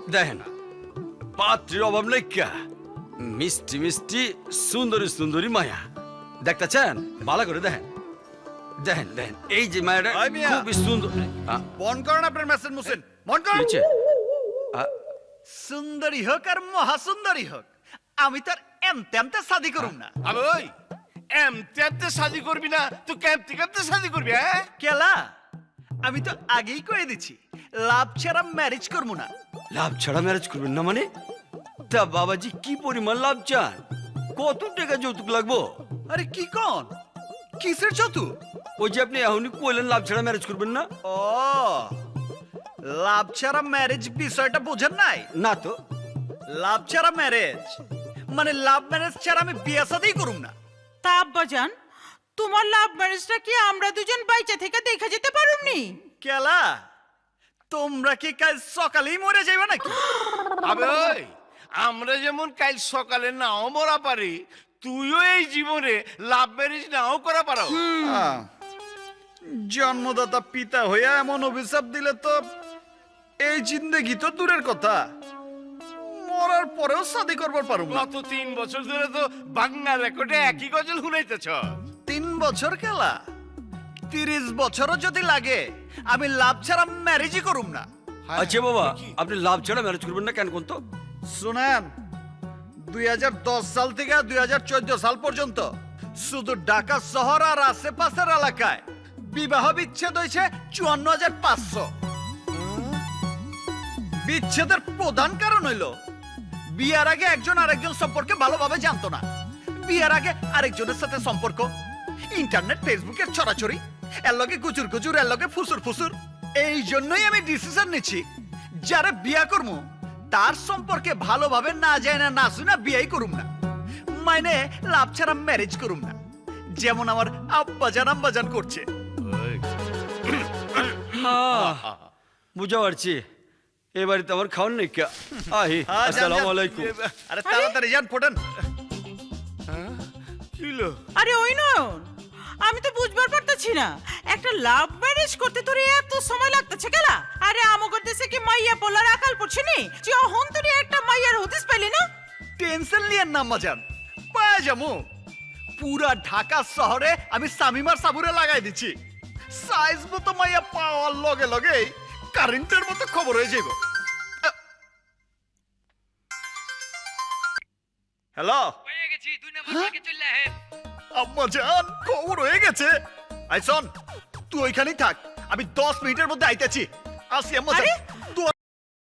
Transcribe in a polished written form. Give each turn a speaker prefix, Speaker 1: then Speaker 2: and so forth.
Speaker 1: দেখেন পাত্রীর অভাব নেই কা, মিষ্টি মিষ্টি সুন্দরী সুন্দরী মায়া দেখতেছেন, ভালো করে দেখেন দেখেন দেখেন, এই যে মায়াটা
Speaker 2: ওই মিয়া।
Speaker 1: খুবই সুন্দর।
Speaker 2: বন করেন আপনার মেসেজ মুসেন, মন করেন।
Speaker 1: নিচে
Speaker 2: সুন্দরী হোক আর মহাসুন্দরী হোক, আমি তার এমতে শাদি করুম না।
Speaker 3: আবে ওই এমতে শাদি করবি না, তুই কেমতে শাদি করবি? হ্যাঁ
Speaker 2: কেলা, আমি তো আগেই কয়ে দিচ্ছি লাভ ছাড়া ম্যারেজ করবো না।
Speaker 1: লাভ ছাড়া ম্যারেজ করবেন না মানে? তা বাবাজি কি পরিমাণ লাভ চান? কত টাকা যৌতুক লাগবো?
Speaker 2: আরে কি কন, কিসের চতু?
Speaker 1: ওই যে আপনি এখনই কইলেন লাভ ছাড়া ম্যারেজ করবেন না।
Speaker 2: ও, লাভ ছাড়া ম্যারেজ বিষয়টা বোঝেন নাই?
Speaker 1: না তো।
Speaker 2: লাভ ছাড়া ম্যারেজ মানে লাভ ম্যারেজ ছাড়া আমি বিয়ে শাদিই করুম না।
Speaker 4: তা আব্বাজান, তোমার লাভ ম্যারেজটা কি আমরা দুজন বাইচা থেকে দেখে যেতে পারুমনি?
Speaker 2: কেলা, তোমরা কি কাল সকালেই মরে যাইবে নাকি?
Speaker 3: আবে ওই আমরা যেমন কাল সকালে নাও মরা পারি, তুইও এই জীবনে লাভ ম্যারেজ নাও করা পারো।
Speaker 2: জন্মদাতা পিতা হইয়া এমন অভিশাপ দিলে তো এই জিন্দেগি তো দূরের কথা, মরার পরেও শাদি করবার পারুম না।
Speaker 3: গত 3 বছর ধরে তো বাংলা রেকর্ডে একই গজল শুনাইতেছ।
Speaker 2: 3 বছর কেলা, 30 বছরও যদি লাগে আমি লাভ ছাড়া ম্যারেজই করুম না।
Speaker 1: আচ্ছা বাবা, আপনি লাভ ছাড়া ম্যারেজ করবেন না কেন কোন তো?
Speaker 2: শুনেন, 2010 সাল থেকে 2014 সাল পর্যন্ত শুধু ঢাকা শহর আর আশেপাশের এলাকায় বিবাহ বিচ্ছেদ হয়েছে 54,500। বিচ্ছেদের প্রধান কারণ হইল বিয়ার আগে একজন আরেকজন সম্পর্কে ভালোভাবে জানতো না, বিয়ার আগে আরেকজনের সাথে সম্পর্ক, ইন্টারনেট ফেসবুকের ছড়াছড়ি, এর লগে গুজুর গুজুর, এর লগে ফুসুর ফুসুর। এই জন্যই আমি ডিসিশন নিচ্ছি যারা বিয়া করবো তার সম্পর্কে ভালোভাবে না যায় না শুনে বিয়াই করুম না, মানে লাভ ছাড়া ম্যারেজ করুম না, যেমন আমার আব্বাজান আম্বাজান করছে।
Speaker 1: বুঝা পারছি, এ বাড়িতে আমার খাওয়ান নেই কে। আহি
Speaker 2: হ্যাঁ, যান,
Speaker 1: আসসালামু
Speaker 2: যান।
Speaker 1: আলাইকুম।
Speaker 2: আরে তাড়াতাড়ি যান, ফোটেন।
Speaker 3: কিলো
Speaker 4: আরে ওই নয়ন, আমি তো বুঝবার পারতেছি না, একটা লাভ ম্যারেজ করতে তোর এত সময় লাগতেছে কেলা? আরে আমগর দেশে কি মাইয়া পোলার আকাল পড়ছে নি যে অহন তোর একটা মাইয়ার হদিস পাইলি না?
Speaker 2: টেনশন নিয়েন না আম্মাজান, পায়ে যাবো। পুরা ঢাকা শহরে আমি সামিমার সাবুরে লাগাই দিচ্ছি, সাইজ মতো মাইয়া পাওয়ার লগে লগে কারেন্টের মতো খবর হয়ে যাইব। হ্যালো আম্মাজান, খবর হয়ে গেছে। আইসন, তুই ওইখানেই থাক, আমি 10 মিনিটের মধ্যে আইতেছি। আসি আম্মাজান।
Speaker 4: আরে